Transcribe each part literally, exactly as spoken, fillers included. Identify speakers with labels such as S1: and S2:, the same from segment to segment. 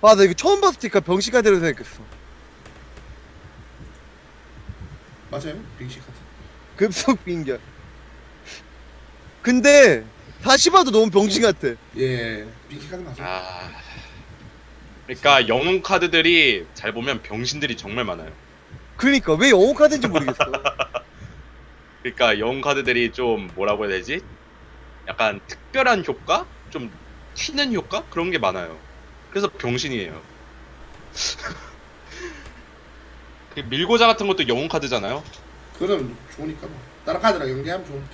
S1: 아, 나 이거 처음 봤을 때니까 병시카드로 생각했어.
S2: 맞아요? 병시카드.
S1: 급속 빙결. 근데 다시 봐도 너무 병신 같아.
S2: 예, 병시카드 맞아요.
S3: 아, 그러니까 영웅 카드들이 잘 보면 병신들이 정말 많아요.
S1: 그러니까 왜 영웅 카드인지 모르겠어.
S3: 그러니까 영웅 카드들이 좀 뭐라고 해야 되지? 약간 특별한 효과? 좀 튀는 효과? 그런 게 많아요. 그래서 병신이에요. 그 밀고자 같은 것도 영웅 카드잖아요.
S2: 그럼 좋으니까 뭐. 다른 카드랑 연계하면 좋으니까.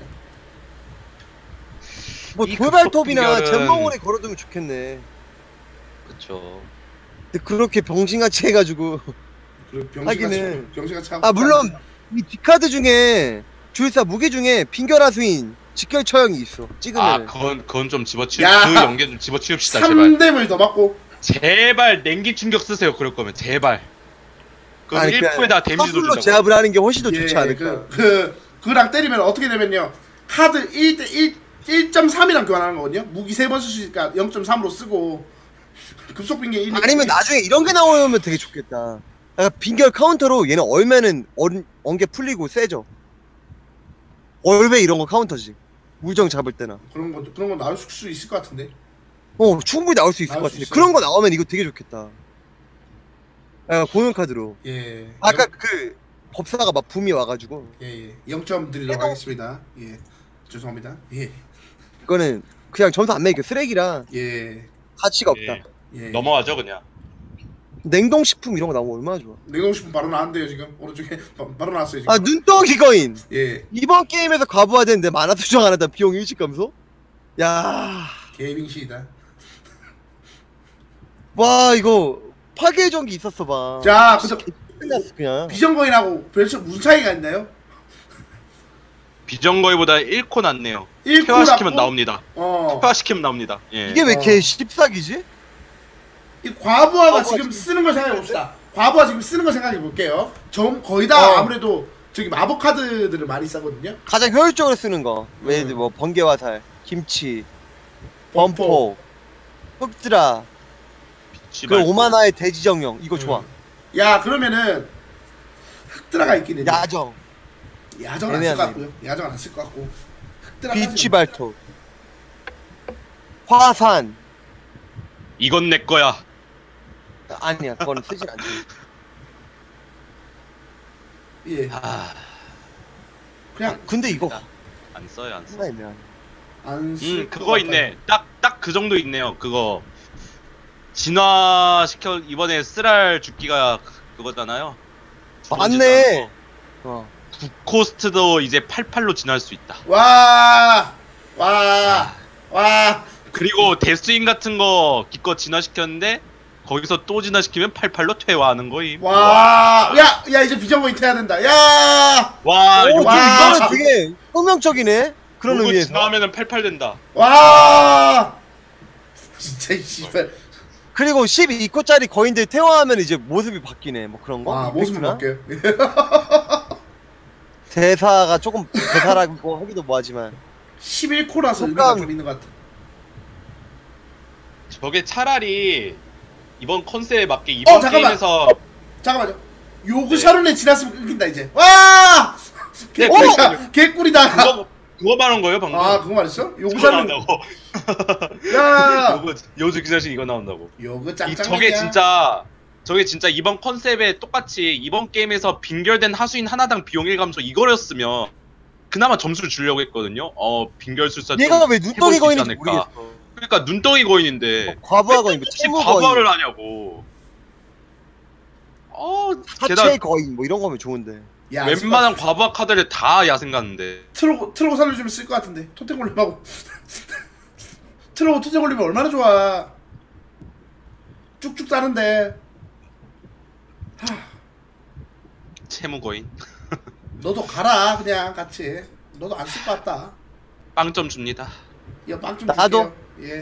S1: 뭐
S3: 이
S1: 돌발톱이나
S3: 급속 빙결은-
S1: 잼망원에 걸어두면 좋겠네.
S3: 그쵸.
S1: 근데 그렇게 병신같이 해가지고.
S2: 그리고 병시가
S1: 하기는.
S2: 병시가 참.
S1: 아 물론 이 뒷카드 중에 주일사 무기 중에 빙결하수인 직결 처형이 있어.
S3: 아
S1: 찍으면.
S3: 그건 그건 좀 집어치우
S2: 야!
S3: 그 연계 좀 집어치웁시다 제발.
S2: 삼 뎀을 더 맞고.
S3: 제발 냉기 충격 쓰세요. 그럴 거면 제발. 그럼
S1: 아니,
S3: 일
S1: 그냥
S3: 퍼센트에다 데미지도
S1: 사술로
S3: 준다고.
S1: 제압을 하는 게 훨씬 더
S2: 예,
S1: 좋지 않을까.
S2: 그, 그 그랑 때리면 어떻게 되면요. 카드 일 대 일 일 점 삼이랑 교환하는 거거든요. 무기 세 번 쓸 수 있으니까 영 점 삼으로 쓰고 급속 빙계 일.
S1: 아니면 나중에 이런 게 나오면 되게 좋겠다. 약간 빙결 카운터로 얘는 얼면은 얼, 언게 풀리고 세져. 얼배 이런 거 카운터지. 물정 잡을 때나.
S2: 그런 거 그런 거 나올 수 있을 것 같은데.
S1: 어 충분히 나올 수 있을
S2: 나올
S1: 것
S2: 수
S1: 같은데
S2: 있어요.
S1: 그런 거 나오면 이거 되게 좋겠다. 약간 공연 카드로.
S2: 예.
S1: 아까 그 법사가 막 붐이 와가지고
S2: 예, 예. 영 점 드리도록 하겠습니다. 예. 죄송합니다. 예.
S1: 이거는 그냥 점수 안 매겨. 쓰레기라
S2: 예.
S1: 가치가 없다.
S3: 예.
S2: 예.
S3: 넘어가죠 그냥.
S1: 냉동식품 이런 거 나오면 얼마나 좋아.
S2: 냉동식품 바로 나왔는데요 지금 오른쪽에 바, 바로 나왔어요 지금.
S1: 아 눈덩이 거인.
S2: 예.
S1: 이번 게임에서 과부하되는데 만화 수정 안 하다 비용 일찍 감소? 야,
S2: 개빙시이다.
S1: 와 이거 파괴 전기 있었어 봐.
S2: 자, 그래서
S1: 끝났어 그냥.
S2: 비전거인하고 별차 무슨 차이가 있나요?
S3: 비정거의보다 일 코 낫네요.
S2: 일 코
S3: 퇴화시키면
S2: 낫고?
S3: 나옵니다.
S2: 어.
S3: 퇴화시키면 나옵니다. 예.
S1: 이게 왜
S2: 어.
S1: 개 십사기지?
S2: 이 과부하가
S1: 과부하
S2: 지금
S1: 지금
S2: 쓰는 걸 생각해 봅시다. 과부하 지금 쓰는 걸 생각해 볼게요. 좀 거의 다
S1: 어.
S2: 아무래도 저기 마법 카드들을 많이 쓰거든요.
S1: 가장 효율적으로 쓰는 거. 왜
S2: 음.
S1: 뭐 번개화살, 김치, 범포, 흑드라, 그
S3: 씨발.
S1: 오만화의 대지정령 이거 좋아.
S2: 음. 야 그러면은 흑드라가 있긴 했네.
S1: 야정,
S2: 야정은 안 쓸 것
S1: 애매하네,
S2: 같고요. 야정은 안 쓸 것 같고.
S1: 비취 발톱, 화산.
S3: 이건 내 거야.
S1: 아니야, 그건 쓰진 않지.
S2: 예.
S3: 아,
S2: 그냥
S1: 근데 이거
S3: 안 써요 안 써.
S1: 하나 있네.
S2: 안쓸
S3: 음 그거 있네. 딱 딱 그 정도 있네요. 그거 진화 시켜 이번에 쓰랄 죽기가 그- 그거잖아요.
S1: 맞네. 어.
S3: 코스트도 이제 팔십팔로 진화할 수 있다.
S2: 와, 와, 와.
S3: 그리고 데스윙 같은 거 기껏 진화시켰는데 거기서 또 진화시키면 팔십팔로 퇴화하는 거임.
S2: 와, 야, 야 이제 비전거인 태야 된다. 야,
S3: 와,
S1: 오,
S3: 이거
S1: 좀
S2: 와.
S1: 이거는 되게 혁명적이네. 그런
S3: 요거
S1: 의미에서.
S3: 진화하면은 팔십팔 된다.
S2: 와. 진짜 이 씨발.
S1: 그리고 십이 코짜리 거인들 태화하면 이제 모습이 바뀌네. 뭐 그런 거.
S2: 와, 모습
S1: 이펙트나?
S2: 바뀌어요.
S1: 대사가 조금 대사라고 하기도 뭐하지만.
S2: 십일 코라서 의미가
S1: 속감.
S2: 좀 있는 것 같아.
S3: 저게 차라리 이번 컨셉에 맞게 이번
S2: 어, 잠깐만.
S3: 게임에서
S2: 잠깐만요. 요그 샤론에 지났으면 끊긴다 이제. 와! 개꿀이다. 개꿀이다.
S3: 그거 그거 말한 거예요 방금.
S2: 아, 그거 말했어? 요그
S3: 그거
S2: 샤론.
S3: 나온다고.
S2: 야!
S3: 요거 요즘 기자식 이거 나온다고.
S2: 요그
S3: 이
S2: 짱짱이야.
S3: 저게 진짜 저게 진짜 이번 컨셉에 똑같이 이번 게임에서 빙결된 하수인 하나당 비용 일 감소 이거였으면 그나마 점수를 주려고 했거든요. 어 빙결술사 좀
S1: 얘가 왜 눈덩이
S3: 해볼 수 있지
S1: 거인인지
S3: 않을까.
S1: 모르겠어.
S3: 그러니까 눈덩이 거인인데
S1: 과부하 거인, 뭐
S3: 혹시
S1: 채무
S3: 과부하를
S1: 거인,
S3: 하냐고. 어
S1: 사체
S3: 게다가
S1: 거인 뭐 이런 거면 좋은데.
S2: 야,
S3: 웬만한 과부하 카드를 다 야생 갔는데.
S2: 트로고 트로고 살려주면 쓸 것 같은데. 토템 걸림하고. 트로고 토템 걸리면 얼마나 좋아. 쭉쭉 따는데. 하,
S3: 채무 거인.
S2: 너도 가라 그냥 같이. 너도 안 쓸 것 같다.
S3: 빵점 줍니다.
S2: 이거 빵좀
S1: 나도?
S2: 예.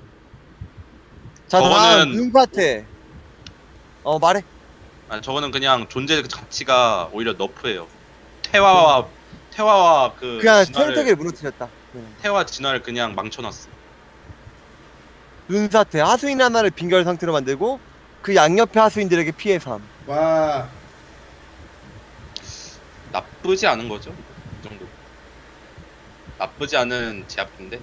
S1: 자, 다음
S3: 저거는-
S1: 음파테. 어 말해.
S3: 아 저거는 그냥 존재 가치가 오히려 너프예요. 태화와 태화와 그
S1: 그냥
S3: 진화를
S1: 테르테기를 무너뜨렸다. 네.
S3: 태화 진화를 그냥 망쳐놨어.
S1: 눈사태 하수인 하나를 빙결 상태로 만들고 그 양옆의 하수인들에게 피해 삼.
S2: 와.
S3: 나쁘지 않은 거죠. 이 정도. 나쁘지 않은 제압인데.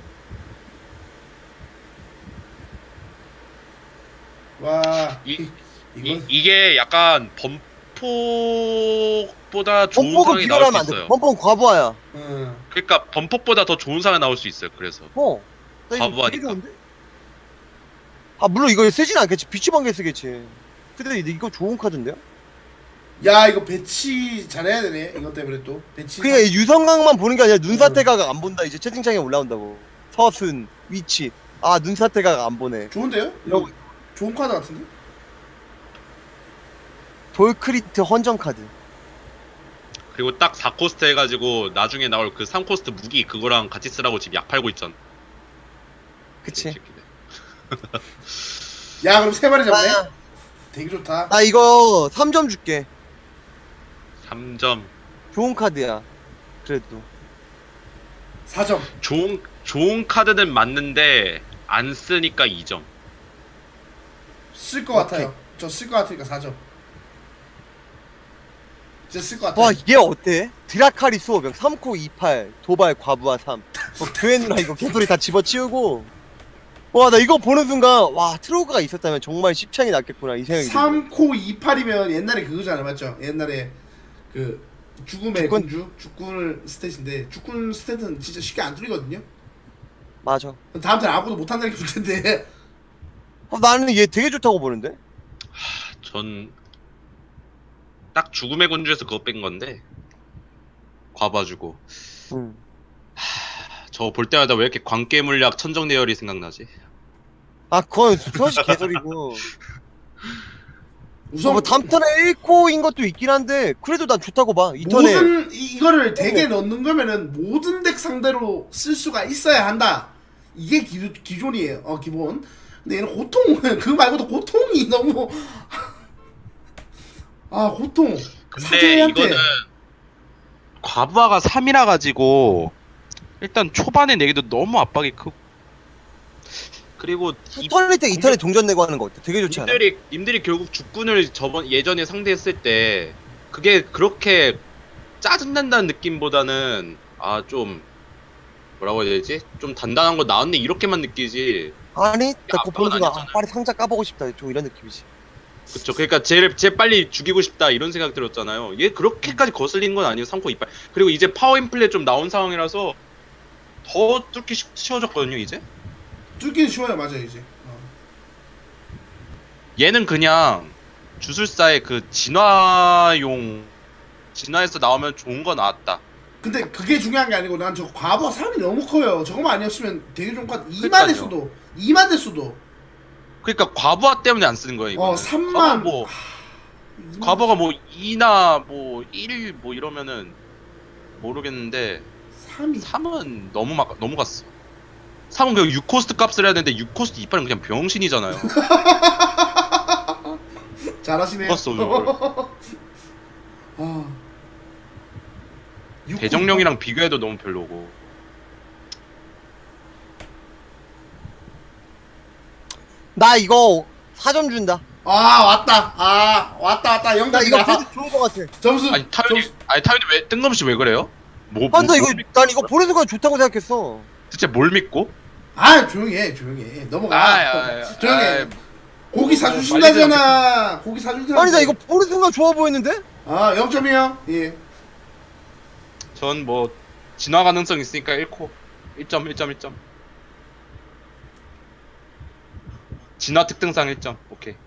S2: 와.
S3: 이, 이,
S2: 이건
S3: 이게 약간 범폭보다 좋은
S1: 범퍼가
S3: 상황이 나올 수
S1: 비교하면 안 돼.
S3: 있어요.
S1: 범퍼는 과부하야.
S2: 응.
S3: 그러니까 범폭보다 더 좋은 상황이 나올 수 있어요. 그래서
S1: 어. 나 이거
S3: 과부하니까.
S1: 되게 좋은데? 아 물론 이거 쓰진 않겠지. 비치 번개 쓰겠지. 근데 이거 좋은 카드인데요?
S2: 야, 이거 배치 잘해야 되네. 이것 때문에 또 배치.
S1: 그러니까 이 유성각만 보는 게 아니라 눈사태가 안 본다. 이제 채팅창에 올라온다고. 서순 위치. 아 눈사태가 안 보네.
S2: 좋은데요? 이거 좋은 카드 같은데?
S1: 돌크리트 헌정 카드.
S3: 그리고 딱 사 코스트 해가지고 나중에 나올 그 삼 코스트 무기 그거랑 같이 쓰라고 지금 약 팔고 있잖아.
S1: 그치.
S2: 야, 그럼 세 마리 잡네.
S1: 아,
S2: 되게 좋다.
S1: 나 이거 삼 점 줄게.
S3: 삼 점.
S1: 좋은 카드야. 그래도.
S2: 사 점.
S3: 좋은 좋은 카드는 맞는데 안 쓰니까 이 점.
S2: 쓸 것
S1: 오케이.
S2: 같아요. 저 쓸 것 같으니까 사 점. 진짜 쓸 것 같아요.
S1: 와, 얘 어때? 드라카리 수호병 삼 코 이팔 도발 과부하 삼. 뭐 교회누나 이거 개소리 다 집어치우고. 와, 나 이거 보는 순간 와, 트로그가 있었다면 정말 십창이 났겠구나 이 생각이 들어.
S2: 삼 코 이팔이면 옛날에 그거잖아, 맞죠? 옛날에 그 죽음의
S1: 죽군?
S2: 공주? 죽군 스탯인데 죽군 스탯은 진짜 쉽게 안 뚫리거든요?
S1: 맞아.
S2: 다음 턴 아무도 못한다는 게 문제인데.
S1: 어, 나는 얘 되게 좋다고 보는데?
S3: 전 딱 죽음의 군주에서 그거 뺀 건데 과봐주고
S1: 응.
S3: 저 볼 때마다 왜 이렇게 광계 물약 천정대열이 생각나지?
S1: 아, 그건 솔직히 개소리고.
S2: 우선
S1: 뭐 다음 턴에 일 코인 것도 있긴 한데 그래도 난 좋다고 봐. 이 턴에
S2: 모든 이, 이거를 대게 넣는 거면은 모든 덱 상대로 쓸 수가 있어야 한다. 이게 기, 기존이에요. 어, 기본. 근데 얘는 고통 그 말고도 고통이 너무 아, 고통.
S3: 근데
S2: 사제한테
S3: 이거는 과부하가 삼이라 가지고 일단 초반에 내기도 너무 압박이 크고 그리고 이
S1: 턴일 때 이 턴에 동전 내고 하는 거 어때? 되게 좋지 않아?
S3: 님들이 님들이 결국 죽군을 저번 예전에 상대했을 때 그게 그렇게 짜증난다는 느낌보다는 아 좀 뭐라고 해야 되지? 좀 단단한 거 나왔네 이렇게만 느끼지.
S1: 아니, 나 그거
S3: 압박은
S1: 보는 순간 아,
S3: 아니었잖아요.
S1: 빨리 상자 까보고 싶다. 좀 이런 느낌이지.
S3: 그쵸. 그러니까 쟤를 쟤 빨리 죽이고 싶다 이런 생각 들었잖아요. 얘 그렇게까지 거슬리는 건 아니에요. 삼 코 이빨. 그리고 이제 파워 인플레 좀 나온 상황이라서 더 뚫기 쉬- 쉬워졌거든요 이제.
S2: 뚫기는 쉬워요, 맞아요, 이제. 어.
S3: 얘는 그냥 주술사의 그 진화용 진화에서 나오면 좋은 거 나왔다.
S2: 근데 그게 중요한 게 아니고 난 저 과부하 사람이 너무 커요. 저거만 아니었으면 되게 좋은 것 같아. 이만
S3: 그러니까요.
S2: 됐어도 이만 됐어도
S3: 그러니까 과부하 때문에 안 쓰는 거예요 이거.
S2: 어 삼만
S3: 뭐 과부가 뭐 이나 뭐 일 뭐 이러면은 모르겠는데
S2: 삼이
S3: 삼은 너무 막 너무 갔어. 삼은 그냥 육 코스트 값을 해야 되는데 육 코스트 이빨은 그냥 병신이잖아요.
S2: 잘하시네요.
S3: 죽었어 이걸.
S2: 아. 육
S3: 대정령이랑 비교해도 너무 별로고.
S1: 나 이거 사 점 준다.
S2: 아, 왔다. 아, 왔다 왔다.
S1: 나
S2: 영점이다.
S1: 이거 그래도 좋은 거 같아.
S2: 점수.
S3: 아니 타요니
S2: 점수.
S3: 아니 타요니 왜 뜬금없이 왜 그래요? 뭐,
S1: 아,
S3: 뭐
S1: 나 이거
S3: 뭘 믿-
S1: 난 이거 보는 순간 좋다고 생각했어.
S3: 대체 뭘 믿고?
S2: 아, 조용히 해. 조용히 해. 넘어가.
S3: 아, 아, 아,
S2: 조용히 해.
S3: 아,
S2: 고기
S3: 뭐,
S2: 사주신다잖아. 고기 사준다.
S1: 아니 나 이거 보는 순간 좋아 보였는데?
S2: 아, 영 점이요. 예.
S3: 전 뭐 진화 가능성 있으니까 일 코 일 점 일 점 일 점 진화 특등상 일 점 오케이.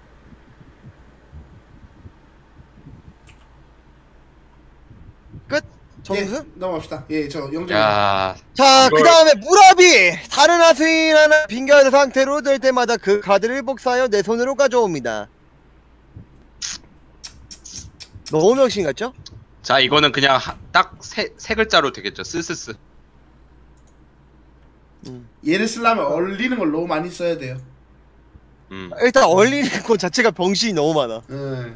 S1: 끝. 점수?
S2: 예, 넘어갑시다. 예, 저 영 점.
S3: 야
S1: 자,
S3: 이걸-
S1: 그 다음에 무라비! 다른 하수인 하나 빙결 상태로 될 때마다 그 카드를 복사하여 내 손으로 가져옵니다. 너무 명신 같죠?
S3: 자 이거는 그냥 딱 세 세 글자로 되겠죠. 스스스.
S1: 음.
S2: 얘를 쓰려면 얼리는 걸 너무 많이 써야 돼요.
S3: 음.
S1: 일단 얼리는 것 자체가 병신이 너무 많아.
S2: 예.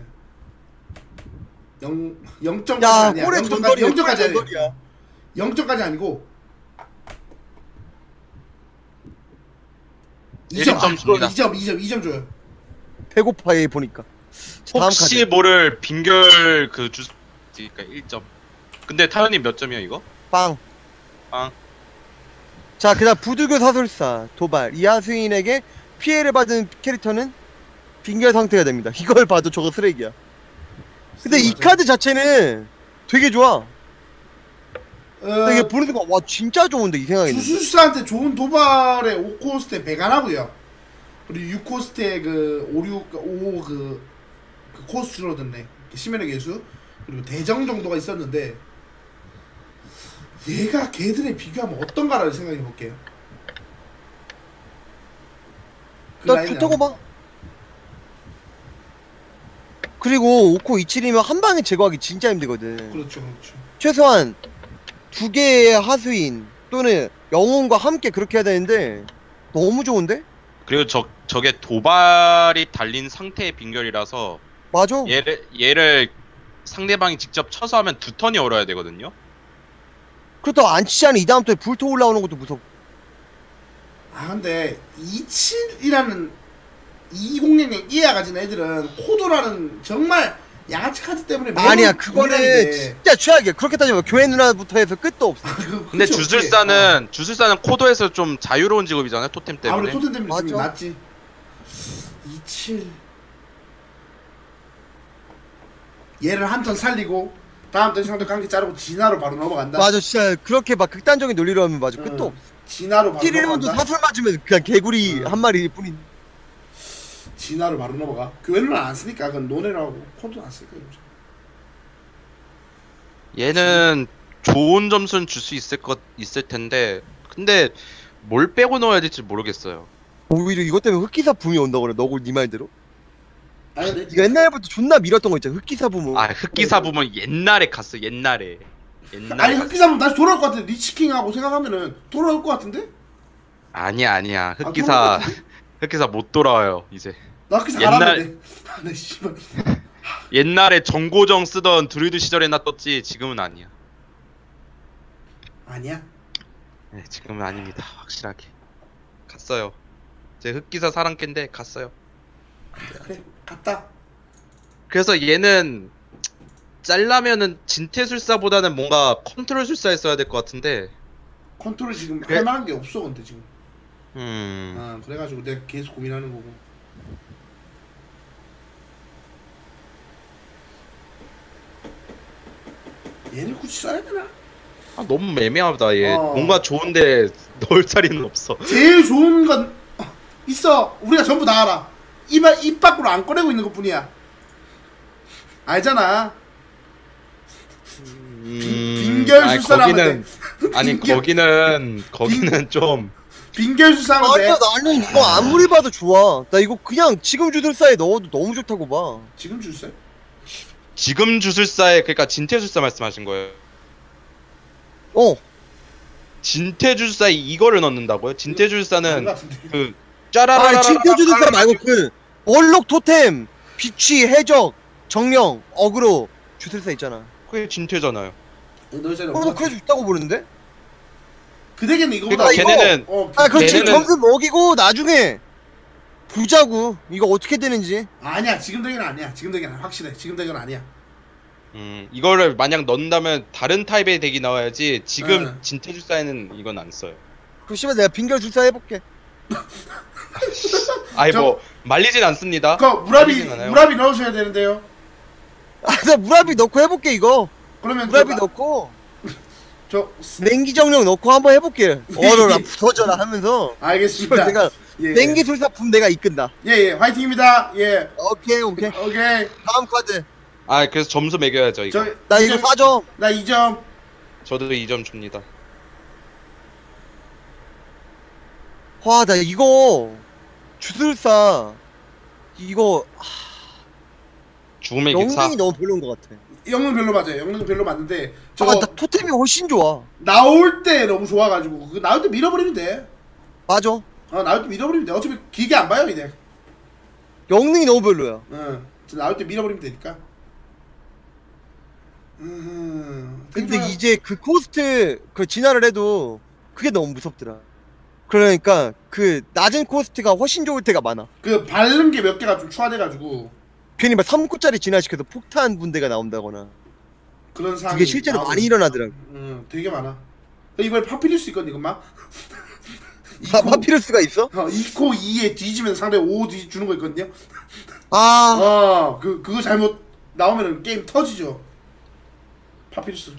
S2: 영 영점까지
S1: 야,
S2: 아니야.
S1: 꼴에
S2: 영점까지
S1: 전설이야.
S2: 영점까지
S1: 꼴에
S2: 아니야.
S1: 전설이야.
S2: 영점까지 아니고 이 점,
S3: 일 점
S2: 아,
S3: 줍니다.
S2: 이 점, 이 점, 이 점 줘요.
S1: 배고파 얘 보니까. 자, 다음
S3: 혹시
S1: 카드.
S3: 모를 빙결 그 주, 그러니까 일 점. 근데 타연님 몇 점이야 이거?
S1: 빵.
S3: 빵.
S1: 자, 그다음 부두교 사술사 도발. 이 하수인에게 피해를 받은 캐릭터는 빙결 상태가 됩니다. 이걸 봐도 저거 쓰레기야. 근데 이
S2: 맞아.
S1: 카드 자체는 되게 좋아.
S2: 어,
S1: 이게 보는 순간 와 진짜 좋은데 이 생각이 드네.
S2: 주술사한테 좋은 도발에 오 코스트에 배관하고요. 그리고 육 코스트에 그 오, 육, 오 그, 그 코스트 줄어드네. 심연의 개수. 그리고 대정 정도가 있었는데 얘가 걔들에 비교하면 어떤가라는 생각해 볼게요. 그
S1: 나
S2: 라인이
S1: 좋다고
S2: 안-
S1: 봐. 그리고 오 코 이칠이면 한 방에 제거하기 진짜 힘들거든.
S2: 그렇죠, 그렇죠.
S1: 최소한 두 개의 하수인 또는 영웅과 함께 그렇게 해야 되는데 너무 좋은데?
S3: 그리고 저 저게 도발이 달린 상태의 빙결이라서
S1: 맞아.
S3: 얘를 얘를 상대방이 직접 쳐서 하면 두 턴이 얼어야 되거든요.
S1: 그렇다고 안 치지 않은 이 다음 턴에 불토 올라오는 것도 무섭고.
S2: 아 근데 이십칠이라는 이공零이하 가진 애들은 코드라는 정말 양아치 카드 때문에 매번
S1: 아니야 그거는
S2: 고민하는데.
S1: 진짜 최악이야. 그렇게 따지면 교회 누나부터 해서 끝도 없어.
S2: 그-
S3: 근데
S2: 그치,
S3: 주술사는 주술사는 코도에서 좀 자유로운 직업이잖아요. 토템
S2: 어.
S3: 때문에.
S2: 아무래도 토템 때문에 좀
S1: 맞아.
S2: 낫지. 이십칠 얘를 한 턴 살리고 다음 턴 상대 관계 자르고 진화로 바로 넘어간다.
S1: 맞아 진짜 그렇게 막 극단적인 논리로 하면 맞아
S2: 응.
S1: 끝도 없어.
S2: 진화로 바로
S1: 킬일문도
S2: 넘어간다.
S1: 사슬 맞으면 그냥 개구리
S2: 응.
S1: 한 마리 뿐인.
S2: 진화로 바로 넘어가. 교회는 안 쓰니까 그건 노네라고 코드 안 쓰니까 이거죠.
S3: 얘는 좋은 점수는 줄 수 있을 것 있을 텐데 근데 뭘 빼고 넣어야 될지 모르겠어요.
S1: 오히려 이것 때문에 흑기사 붐이 온다고 그래. 너고 네 말대로.
S2: 아니 근데
S1: 이거 옛날부터 존나 밀었던 거 있잖아. 흑기사 붐은.
S3: 아 흑기사 부분 옛날에 갔어. 옛날에. 옛날에.
S2: 아니
S3: 갔어.
S2: 흑기사면 다시 돌아올 것 같은데 리치킹하고 생각하면은 돌아올 것 같은데?
S3: 아니야 아니야.
S2: 돌아올
S3: 흑기사
S2: 것 같은데?
S3: 흑기사 못 돌아와요 이제.
S2: 나 흑기사
S3: 옛날-
S2: 갈았는데. 아, 나 씨발.
S3: 옛날에 정고정 쓰던 드루이드 시절에나 떴지 지금은 아니야.
S2: 아니야.
S3: 네, 지금은 아닙니다. 확실하게 갔어요. 제 흑기사 사랑캔데 갔어요.
S2: 그래 갔다.
S3: 그래서 얘는 짤라면은 진태술사보다는 뭔가 컨트롤 술사에 써야 될 것 같은데.
S2: 컨트롤 지금
S3: 그래?
S2: 할 만한 게 없어 근데 지금.
S3: 음.
S2: 아 그래가지고 내가 계속 고민하는 거고. 얘를 굳이 써야 되나?
S3: 아, 너무 애매하다 얘.
S2: 어.
S3: 뭔가 좋은데 넣을 자리는 없어.
S2: 제일 좋은 건 어, 있어. 우리가 전부 다 알아. 입, 입 밖으로 안 꺼내고 있는 것 뿐이야. 알잖아.
S3: 음,
S2: 빙결
S3: 아니,
S2: 술사라면
S3: 거기는 아니
S2: 빙결-
S3: 거기는 거기는 좀
S2: 빙결수사하면 돼.
S1: 아니야 나는 이거 아무리 봐도 좋아. 나 이거 그냥 지금 주술사에 넣어도 너무 좋다고 봐.
S2: 지금 줄세?
S3: 지금 주술사에 그러니까 진태술사 말씀하신 거예요.
S1: 어.
S3: 진태주술사에 이거를 넣는다고요?
S2: 아닌
S3: 진태주술사는
S2: 것 같은데.
S3: 그 짜라라라
S1: 아니 진짜 주술사 말고 그 얼록 토템, 비취, 해적, 정령, 어그로 주술사 있잖아.
S3: 그게 진태잖아요.
S2: 너 전에
S1: 어, 나 그래서 좋다고 보는데?
S2: 그 덱에는 이거보다
S3: 그러니까 걔네는
S2: 어,
S1: 아 그럼 지금
S3: 걔네는-
S1: 점수 먹이고 나중에 보자고 이거 어떻게 되는지.
S2: 아니야 지금 덱은 아니야. 지금 덱은 확실해. 지금 덱은 아니야.
S3: 음 이거를 만약 넣는다면 다른 타입의 덱이 나와야지 지금
S2: 응.
S3: 진태주사에는 이건 안 써요.
S1: 그럼 씨발 내가 빙결 주술사 해볼게.
S3: 아니
S2: 저-
S3: 뭐 말리진 않습니다.
S2: 그 무라비
S3: 말리진 않아요.
S2: 무라비 넣으셔야 되는데요.
S1: 아나 무라비 넣고 해볼게 이거.
S2: 그러면
S1: 무라비
S2: 저,
S1: 넣고
S2: 저
S1: 냉기 정령 넣고 한번 해볼게. 얼어라 부서져라 하면서.
S2: 알겠습니다.
S1: 씨발 내가
S2: 예.
S1: 냉기 술사 붐 내가 이끈다.
S2: 예예 화이팅입니다. 예
S1: 오케이 오케이.
S2: 오케이.
S1: 다음 카드.
S3: 아 그래서 점수 매겨야죠 이거.
S2: 저
S1: 나 이거 사 점.
S2: 나 이 점.
S3: 저도 이 점 줍니다.
S1: 와, 나 이거 주술사 이거
S3: 죽음의 객사.
S1: 영웅이 너무 별로인 것 같아.
S2: 영능 별로 맞아요. 영능 별로 맞는데
S1: 아,
S2: 저거
S1: 나 토템이 훨씬 좋아.
S2: 나올 때 너무 좋아가지고 그 나올 때 밀어버리면 돼.
S1: 맞아.
S2: 어 나올 때 밀어버리면 돼. 어차피 길게 안 봐요 이제.
S1: 영능이 너무 별로야.
S2: 응. 저 나올 때 밀어버리면 되니까. 음. 되게
S1: 근데
S2: 좋아요.
S1: 이제 그 코스트 그 진화를 해도 그게 너무 무섭더라. 그러니까 그 낮은 코스트가 훨씬 좋을 때가 많아.
S2: 그 바른 게 몇 개가 좀 추가돼가지고
S1: 괜히 막 삼 코짜리 진화시켜도 폭탄 분대가 나온다거나
S2: 그런 상황이
S1: 그게 실제로
S2: 나오고.
S1: 많이 일어나더라고.
S2: 응, 되게 많아. 이번에 파피루스 있거든 이것만.
S1: 아, 파피루스가 있어?
S2: 어, 이 코 이에 뒤지면 상대 오 뒤 주는 거 있거든요.
S1: 아,
S2: 어, 그 그거 잘못 나오면은 게임 터지죠. 파피루스.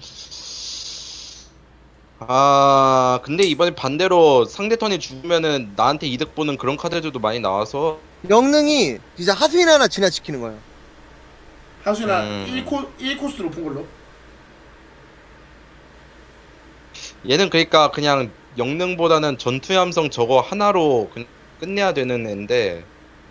S3: 아 근데 이번에 반대로 상대 턴이 죽으면은 나한테 이득 보는 그런 카드들도 많이 나와서
S1: 영능이 진짜 하수인 하나 진화시키는 거야.
S2: 하수나
S3: 음.
S2: 일 코 일 코스 높은 걸로.
S3: 얘는 그러니까 그냥 영능보다는 전투의 함성 저거 하나로 그냥 끝내야 되는 애인데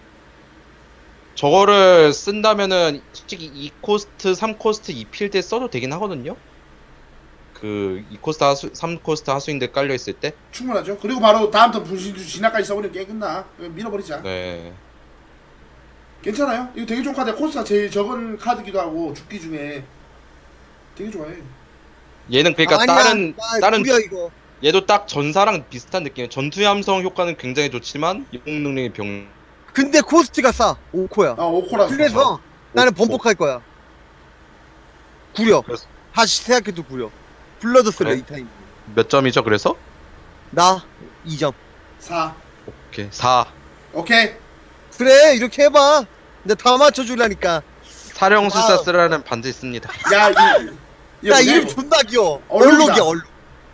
S3: 저거를 쓴다면은 솔직히 이 코스트, 삼 코스트 이 필드에 써도 되긴 하거든요. 그 이 코스트 하수, 삼 코스트 하수인들 깔려 있을 때.
S2: 충분하죠. 그리고 바로 다음 턴 분신주 진화까지 써버리면 게임 끝나. 밀어버리자.
S3: 네.
S2: 괜찮아요. 이거 되게 좋은 카드야. 코스트가 제일 적은 카드기도 하고 죽기 중에 되게 좋아해.
S3: 얘는 그러니까
S1: 아니야,
S3: 다른
S1: 나
S3: 다른
S1: 구려 이거.
S3: 얘도 딱 전사랑 비슷한 느낌이에요. 전투의 함성 효과는 굉장히 좋지만 영웅 능력이 병.
S1: 근데 코스트가 싸. 오 코야.
S2: 아 오코라서.
S1: 그래서 나는
S3: 오 코.
S1: 번복할 거야. 구려.
S3: 그래서
S1: 다시 생각해도 구려. 블러드 슬레
S3: 그래?
S1: 이 타임.
S3: 몇 점이죠? 그래서?
S1: 나 이 점.
S2: 사.
S3: 오케이 사.
S2: 오케이.
S1: 그래 이렇게 해봐. 근데 다 맞춰주려니까.
S3: 사령술사
S1: 와우.
S3: 쓰라는 반드 있습니다.
S2: 야 이.
S1: 야 이름 존나 귀여워.
S2: 얼룩이다.
S1: 얼룩이야 얼룩.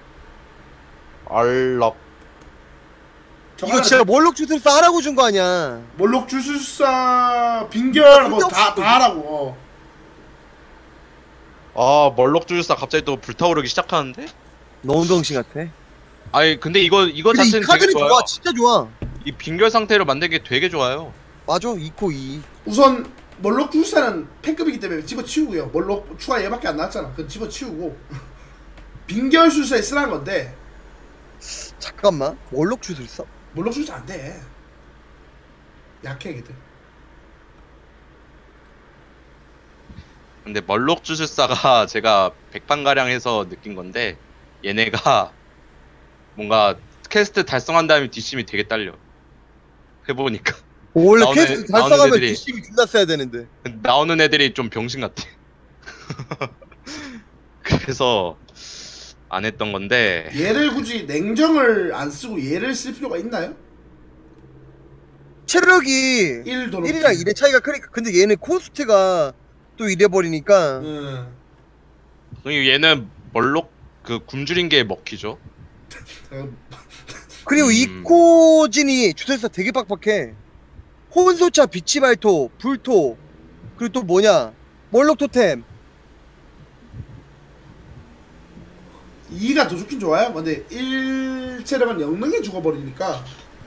S3: 얼럭.
S1: 이거 진짜 몰록 주술사 하라고 준 거 아니야.
S2: 몰록 주술사 빙결 뭐
S1: 진짜
S2: 다 다 하라고.
S3: 아 멀럭주술사 갑자기 또 불타오르기 시작하는데?
S1: 너무 병신 같아.
S3: 아니 근데 이거 이거
S1: 근데 이
S3: 자체는 되게
S1: 카드는
S3: 좋아요.
S1: 좋아. 진짜 좋아.
S3: 이 빙결 상태로 만든 게 되게 좋아요.
S1: 맞아 이 코 이.
S2: 우선 몰록 주술사는 패급이기 때문에 집어치우고요. 몰록 추가 얘밖에 안 나왔잖아. 그건 집어치우고 빙결 술사에 쓰라는 건데
S1: 잠깐만. 몰록 주술사?
S2: 몰록 주술사 안 돼. 약해 걔들.
S3: 근데 멀록주술사가 제가 백판 가량 해서 느낀 건데 얘네가 뭔가 퀘스트 달성한 다음에 뒷심이 되게 딸려. 해보니까
S1: 원래
S3: 나오는-
S1: 퀘스트
S3: 나오는
S1: 달성하면
S3: 애들이-
S1: 뒷심이 존나 써야 되는데.
S3: 나오는 애들이 좀 병신 같아. 그래서 안 했던 건데
S2: 얘를 굳이 냉정을 안 쓰고 얘를 쓸 필요가 있나요?
S1: 체력이
S2: 일 더
S1: 일이랑 일의 차이가 크니까. 근데 얘는 코스트가 또 이래버리니까.
S2: 응.
S3: 그리고 얘는 멀록 그 굶주린 게 먹히죠.
S2: 어,
S1: 그리고
S3: 음.
S1: 이 코진이 주술사 되게 빡빡해. 혼소차 비치 발토 불토 그리고 또 뭐냐 몰록 토템.
S2: 이가 더 좋긴 좋아요. 근데 일 체력은 영능이 죽어버리니까.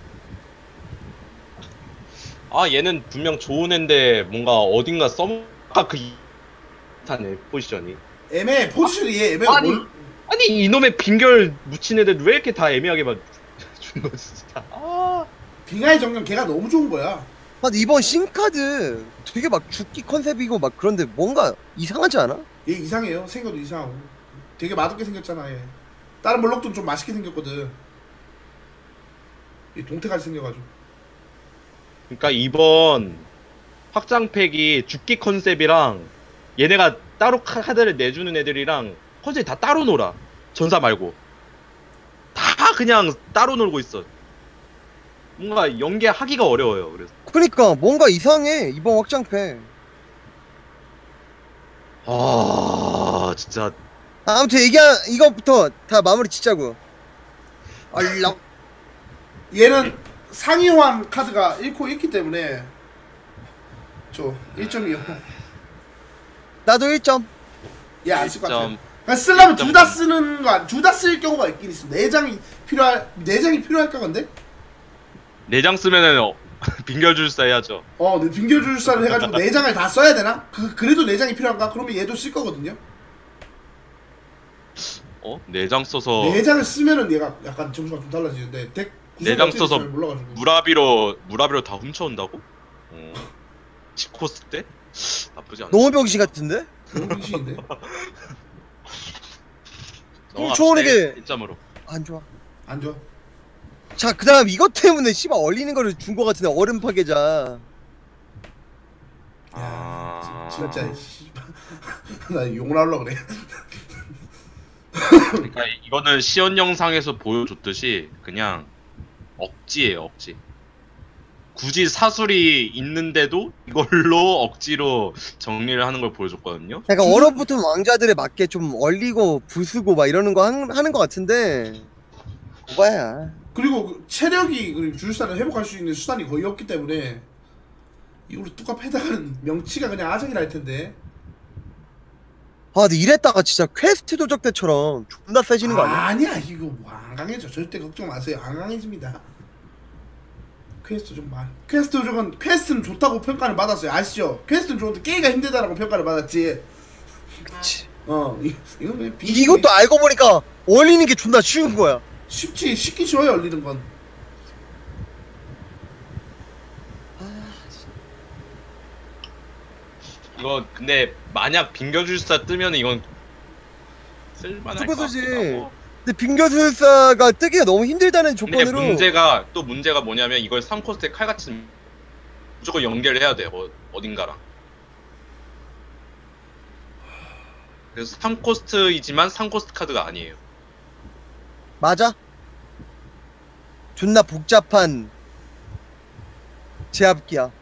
S3: 아 얘는 분명 좋은 애인데 뭔가 어딘가 써먹 아까 그 타네 포지션이.
S2: 애매해. 포지션이 얘 애매해.
S3: 아니.
S2: 뭘-
S3: 아니 이놈의 빙결 묻힌 애들 왜 이렇게 다 애매하게 만 준 거지 진짜. 아.
S2: 빙하의 정령 걔가 너무 좋은 거야.
S1: 아, 근데 이번 신카드 되게 막 죽기 컨셉이고 막 그런데 뭔가 이상하지 않아?
S2: 얘 이상해요. 생겨도 이상하고. 되게 맛없게 생겼잖아 얘. 다른 몰록도 좀 맛있게 생겼거든. 얘 동태같이 생겨가지고.
S3: 그러니까 이번 확장팩이 죽기 컨셉이랑 얘네가 따로 카드를 내주는 애들이랑 컨셉이 다 따로 놀아. 전사 말고 다 그냥 따로 놀고 있어. 뭔가 연계하기가 어려워요. 그래서
S1: 그러니까 뭔가 이상해 이번 확장팩.
S3: 아 진짜
S1: 아, 아무튼 얘기 이거부터 다 마무리 짓자고. 알람.
S2: 얘는 상위호환 카드가 일 코 있기 때문에 저 일 점이요.
S1: 나도 일 점.
S2: 얘 안 쓸 것 같아.
S3: 점.
S2: 그러니까 쓰려면 둘 다 쓰는 거, 둘 다 쓸 경우가 있긴 있어. 내장이 필요할, 내장이 필요할까 근데?
S3: 내장 쓰면은 어, 빙결주술사 해야죠.
S2: 어, 네, 빙결주술사를 해가지고 내장을 다 써야 되나? 그 그래도 내장이 필요한가? 그러면 얘도 쓸 거거든요.
S3: 어? 내장 써서
S2: 내장을 쓰면은 얘가 약간 점수가 좀 달라지는데 덱 구성이
S3: 내장
S2: 어떻게
S3: 써서
S2: 될지 잘 몰라가지고.
S3: 무라비로 무라비로 다 훔쳐온다고? 어. 치코스 때? 나쁘지 않아.
S1: 너무 병신 같은데?
S2: 너무 빙신인데?
S1: 훔쳐오는 게-
S3: 일 점으로.
S1: 안 좋아.
S2: 안 좋아.
S1: 자 그다음 이것 때문에 씨발 얼리는 거를 준 거 같은데 얼음 파괴자.
S3: 아.
S2: 지- 진짜 씨발 나 욕 나오려고 그래.
S3: 그러니까 이거는 시연 영상에서 보여줬듯이 그냥 억지예요, 억지. 굳이 사술이 있는데도 이걸로 억지로 정리를 하는 걸 보여줬거든요.
S1: 그러니까 얼어붙은 왕자들에 맞게 좀 얼리고 부수고 막 이러는 거 한, 하는 거 같은데 오바야.
S2: 그리고 그 체력이 그리고 주술사를 회복할 수 있는 수단이 거의 없기 때문에 이걸로 뚜껑 패다가는 명치가 그냥 아작이 날 텐데.
S1: 아 근데 이랬다가 진짜 퀘스트 도적 때처럼 존나 세지는 거 아니야?
S2: 아니야 이거 뭐 안 강해져. 절대 걱정 마세요. 안 강해집니다. 퀘스트 좀 말. 퀘스트 도적은 퀘스트는 좋다고 평가를 받았어요. 아시죠? 퀘스트는 좋은데 깨기가 힘들다라고 평가를 받았지.
S1: 그치.
S2: 어 이, 이건 그냥 비...
S1: 이것도 알고 보니까 얼리는 게 존나 쉬운 거야.
S2: 쉽지 쉽기 쉬워요 열리는 건.
S3: 이거 근데 만약 빙결주사 뜨면 이건 쓸만할 것
S1: 그거지.
S3: 같기도 하고.
S1: 근데 빙결술사가 뜨기가 너무 힘들다는
S3: 근데
S1: 조건으로
S3: 문제가 또 문제가 뭐냐면 이걸 삼 코스트에 칼같이 무조건 연결해야 돼요. 어, 어딘가랑. 그래서 삼 코스트이지만 삼 코스트 카드가 아니에요.
S1: 맞아? 존나 복잡한 제압기야.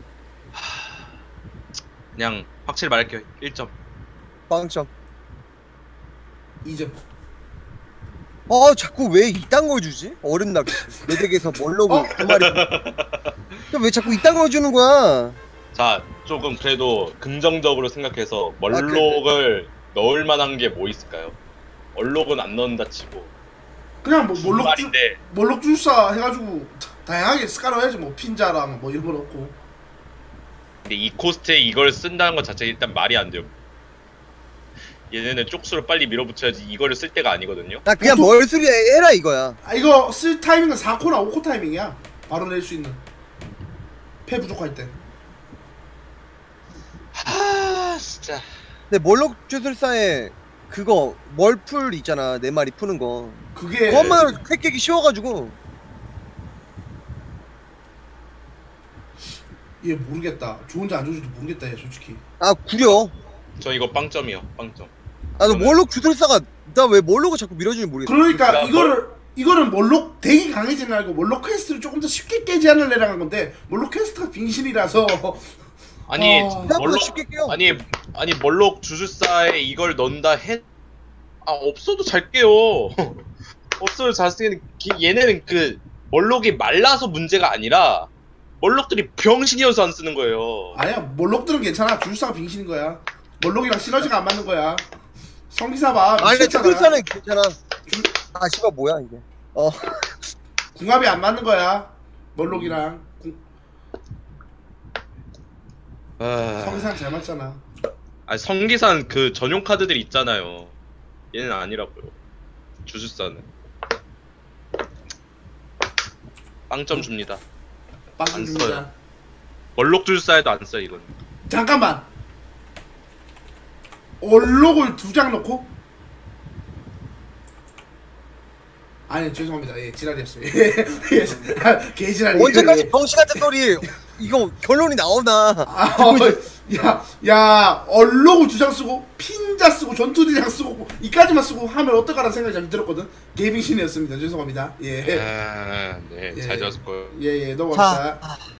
S3: 그냥 확실히 말할게요. 일 점.
S1: 빵점.
S2: 이 점.
S1: 아 자꾸 왜 이딴 걸 주지? 얼음 낚시 내 덱에서 멀로고
S2: 어?
S1: 두 마리. 왜 자꾸 이딴 걸 주는 거야?
S3: 자, 조금 그래도 긍정적으로 생각해서
S1: 아,
S3: 멀록을 넣을 만한 게 뭐 있을까요? 얼록은 안 넣는다 치고
S2: 그냥 뭐 몰록 주,
S3: 말인데
S2: 몰록 주사 해가지고 다양하게 스카로 해야지. 뭐 핀자랑 뭐 이런 거 넣고.
S3: 근데 이 코스트에 이걸 쓴다는 것 자체가 일단 말이 안 돼요. 얘네는 쪽수로 빨리 밀어붙여야지 이거를 쓸 때가 아니거든요.
S1: 나 그냥
S2: 보통-
S1: 멀수리 해라 이거야.
S2: 아 이거 쓸 타이밍은 사 코나 오 코 타이밍이야. 바로 낼 수 있는. 패 부족할 때.
S3: 하 진짜.
S1: 근데 멀록 주술사에 그거 멀풀 있잖아 네 마리 푸는 거.
S2: 그게
S1: 그것만 획 깨기 쉬워가지고.
S2: 얘 모르겠다. 좋은지 안 좋은지도 모르겠다 얘 솔직히.
S1: 아 구려.
S3: 저 이거 빵점이요. 빵점.
S1: 나도
S3: 그러면-
S1: 멀록 주술사가 나 왜 멀록을 자꾸 밀어주는지 모르겠어.
S2: 그러니까
S3: 그러니까
S2: 이거를 이거는 몰록 덱이 강해지는 알고 몰록 퀘스트를 조금 더 쉽게 깨지 않으려고 한 건데 몰록 퀘스트가 빙신이라서.
S3: 아니
S2: 어.
S1: 생각보다
S3: 멀록
S1: 쉽게 깨요.
S3: 아니 아니 멀록 주술사에 이걸 넣는다 해. 아 없어도 잘 깨요. 없어도 잘 쓰는 얘네는 그 멀록이 말라서 문제가 아니라 멀록들이 병신이어서 안 쓰는 거예요.
S2: 아니야 몰록들은 괜찮아. 주술사가 빙신인 거야. 몰록이랑 시너지가 안 맞는 거야. 성기사 봐.
S1: 아니 근데
S2: 미쳤잖아.
S1: 주술사는 괜찮아. 아 씨발 뭐야 이게. 어.
S2: 궁합이 안 맞는 거야. 몰록이랑 궁...
S3: 아...
S2: 성기사는 잘 맞잖아.
S3: 아니 성기산 그 전용 카드들이 있잖아요. 얘는 아니라고요. 주술사는 빵점 줍니다.
S2: 빵
S3: 안
S2: 줍니다.
S3: 써요. 멀록 주술사에도 안 써 이건.
S2: 잠깐만. 얼록을 두 장 넣고? 아니 죄송합니다. 예 지랄이었어요. 예, 예. 아, 개지랄이.
S1: 언제까지 병신 같은 소리 이거 결론이 나오나.
S2: 아, 어, 야, 야, 얼록을 두 장 쓰고 핀자 쓰고 전투대장 쓰고 이까지만 쓰고 하면 어떨까라는 생각이 잠시 들었거든. 개빙신이었습니다. 죄송합니다. 예,
S3: 아, 네,
S2: 예.
S3: 잘 지었을 거예요.
S2: 예, 예, 넘어갑시다.
S1: 자,